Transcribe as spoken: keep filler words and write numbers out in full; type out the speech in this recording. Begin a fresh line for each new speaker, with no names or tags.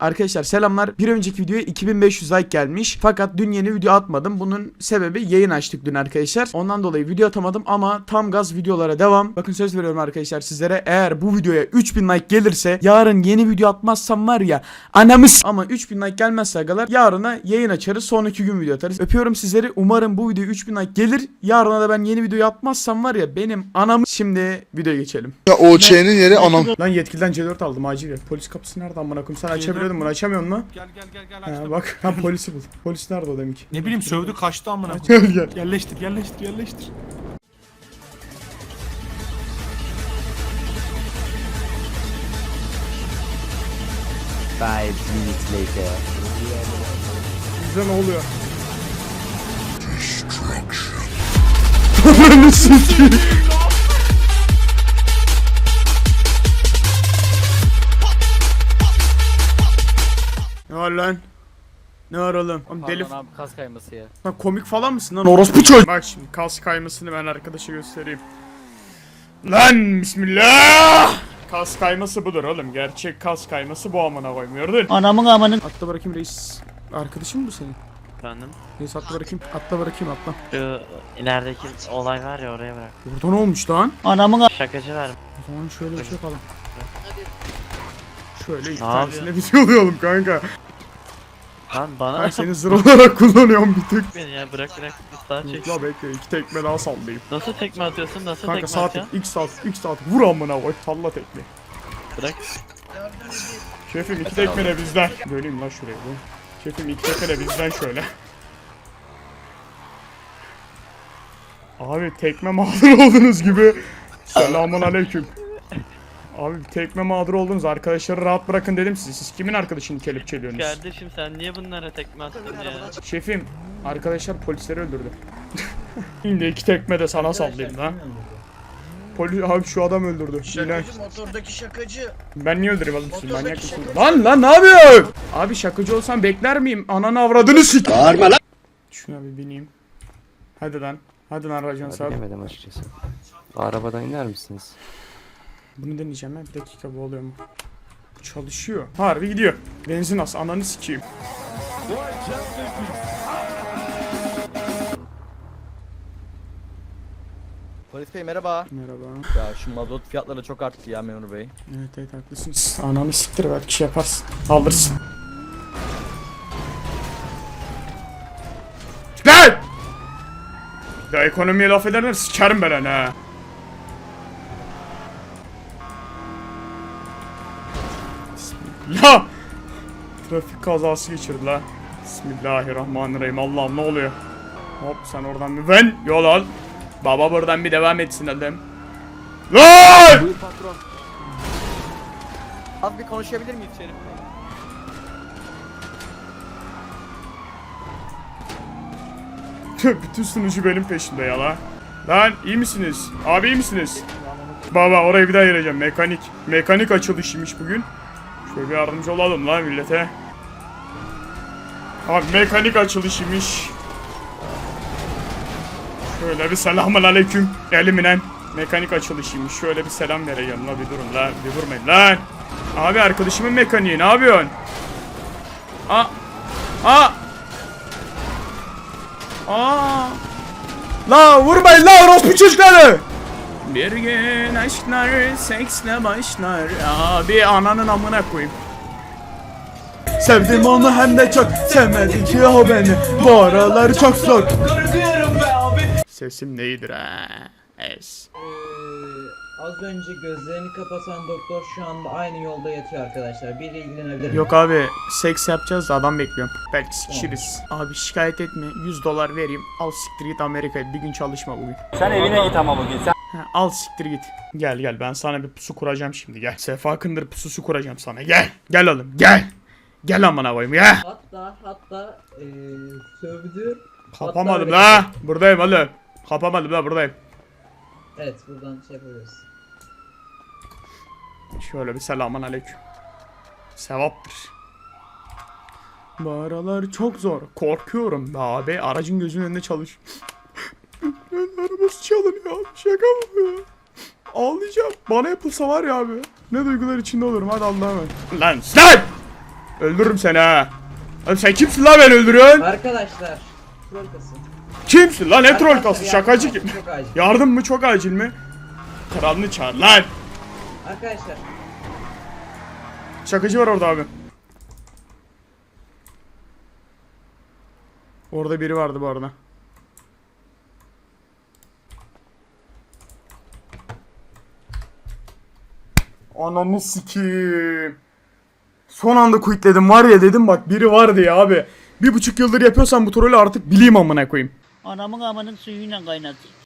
Arkadaşlar selamlar. Bir önceki videoya iki bin beş yüz like gelmiş. Fakat dün yeni video atmadım. Bunun sebebi yayın açtık dün arkadaşlar. Ondan dolayı video atamadım ama tam gaz videolara devam. Bakın söz veriyorum arkadaşlar sizlere. Eğer bu videoya üç bin like gelirse yarın yeni video atmazsam var ya anamız. Ama üç bin like gelmezse agalar yarına yayın açarız. Sonraki gün video atarız. Öpüyorum sizleri. Umarım bu video üç bin like gelir. Yarına da ben yeni video atmazsam var ya benim anamız. Şimdi videoya geçelim.
Ya O Ç'nin yeri anam.
Lan yetkiliden C dört aldım acil. Polis kapısı nerede amına koyayım? Sen açabiliyordun bunu, açamıyorsun mu?
Gel gel gel gel
Ha,
açtım.
bak ha polisi bul. Polis nerede o demek?
Ne bileyim sövdü kaçtı amına
Gel
koyayım.
gel.
Yerleştir yerleştir yerleştir.
Five minutes later.
Bize ne oluyor? Ananı sikeyim. Ne var lan? Ne var oğlum? Oğlum deli
Pardon abi, kas kayması ya.
Lan komik falan mısın lan orospu çocuğu? Bak şimdi kas kaymasını ben arkadaşa göstereyim. Lan bismillah. Kas kayması budur oğlum. Gerçek kas kayması bu amına koyayım, gördün?
Anamın amanın.
Atla bırakayım reis. Arkadaşın mı bu senin?
Efendim?
Reis atla bırakayım. Atla bırakayım atla.
Şu ilerideki olay var ya, oraya bırak.
Burada ne olmuş lan?
Anamın a-
Şakacı var.
O zaman şöyle bir şey yapalım. Şöyle iki
Ne
tanesine bir şey oluyorum kanka.
Lan bana
Ben seni zır olarak kullanıyorum bir tık.
beni ya, bırak bırak. Daha çek.
La bekle, iki tekme daha sallayayım.
Nasıl tekme atıyorsun? Nasıl
Kanka
tekme
saat
atıyorsun?
ilk saat ilk saat vur amına koy, salla tekme.
Bırak.
Şefim iki tekme de bizden. Böleyim lan şurayı bu. Şefim iki tekme de bizden şöyle. Abi tekme mağdur oldunuz gibi. Selamun aleyküm. Abi tekme mağdur oldunuz, arkadaşları rahat bırakın dedim size. Siz kimin arkadaşını kelepçeliyorsunuz?
Kardeşim sen niye bunlara tekme attın ya?
Şefim, arkadaşlar polisleri öldürdü. Şimdi iki tekme de sana sallayayım lan. Polis abi şu adam öldürdü. Yine.
Şakacı, motordaki şakacı.
Ben niye öldüreyim oğlum sizi? Manyak mısın? Lan lan ne yapıyorsun? Abi şakacı olsam bekler miyim? Ananı avradını sik. Bağırma lan. Şuna bir bineyim. Hadi lan. Hadi lan Racan sağ ol.
Bilemedim açıkçası. Arabadan iner misiniz?
Bunu deneyeceğim ben. Bir dakika, bu oluyor mu? Bu çalışıyor. Harbi gidiyor. Benzin az. Ananı sikeyim.
Polis bey merhaba.
Merhaba.
Ya şu mazot fiyatları çok arttı ya memur bey.
Evet evet haklısınız. Ananı siktir, belki şey yaparsın. Alırsın. Lan! Ya ekonomiye laf ederler sikerim ben hani ha. Bismillah. Trafik kazası geçirdi la. Bismillahirrahmanirrahim. Allah'ım ne oluyor? Hop sen oradan bir ben yol al. Baba buradan bir devam etsin adam. Lan!
Buyur patron. Az bir konuşabilir miyiz Şerif bey?
Bütün sunucu benim peşimde ya la. Lan iyi misiniz? Abi iyi misiniz? Baba orayı bir daha ayıracağım. Mekanik. Mekanik açılışıymış bugün. Şöyle bir yardımcı olalım lan millete. Abi mekanik açılışıymış. Şöyle bir selamun aleyküm. Eliminen. Mekanik açılışıymış. Şöyle bir selam vereceğim la, bir durun lan. Bir vurmayın lan. Abi arkadaşımın mekaniği ne yapıyorsun? Aa. Aa. Aa. La vurmayın la orospu çocukları. Bir gün aşklar seksle başlar. Abi ananın amına koyayım. Sevdim onu hem de çok, sevmedi ki o beni. Bu aralar çok zor. Sesim neydir ha? Es.
Ee, az önce gözlerini kapatan doktor şu anda aynı yolda yatıyor arkadaşlar. Biri ilgilenebilir mi?
Yok abi, seks yapacağız da adam bekliyorum. Belki sikişiriz. Abi şikayet etme, yüz dolar vereyim. Al siktir git Amerika'ya, bir gün çalışma bugün.
Sen evine git ama bugün. Sen
Ha, al siktir git. Gel gel, ben sana bir pusu kuracağım şimdi, gel. Sefa Kındır pususu kuracağım sana, gel. Gel oğlum gel. Gel amına koyayım ya.
Hatta hatta ee, sövdü.
Kapamadım
Hatta-
la. Buradayım oğlum. Kapamadım la, buradayım.
Evet, buradan şey yapıyoruz.
Şöyle bir selamun aleyküm. Sevaptır. Bu aralar çok zor. Korkuyorum be abi. Aracın gözünün önünde çalış. Ben arabası çalınıyor. Şaka mı bu ya? Ağlayacağım. Bana yapılsa var ya abi. Ne duygular içinde olurum. Hadi Allah'a emanet. Lan lan! Öldürürüm seni ha. Oğlum sen kimsin lan beni öldürüyorsun?
Arkadaşlar. Troll kası.
Kimsin lan ne troll
Arkadaşlar,
kası şakacı
yardım
kim?
çok acil.
Yardım mı çok acil mi? Kralını çağır lan.
Arkadaşlar.
Şakacı var orada abi. Orada biri vardı bu arada. Ananı sikiyim. Son anda quitledim var ya dedim bak biri vardı ya abi. Bir buçuk yıldır yapıyorsan bu trolü artık bileyim amına koyayım.
Anamın amanın suyuyla kaynatır.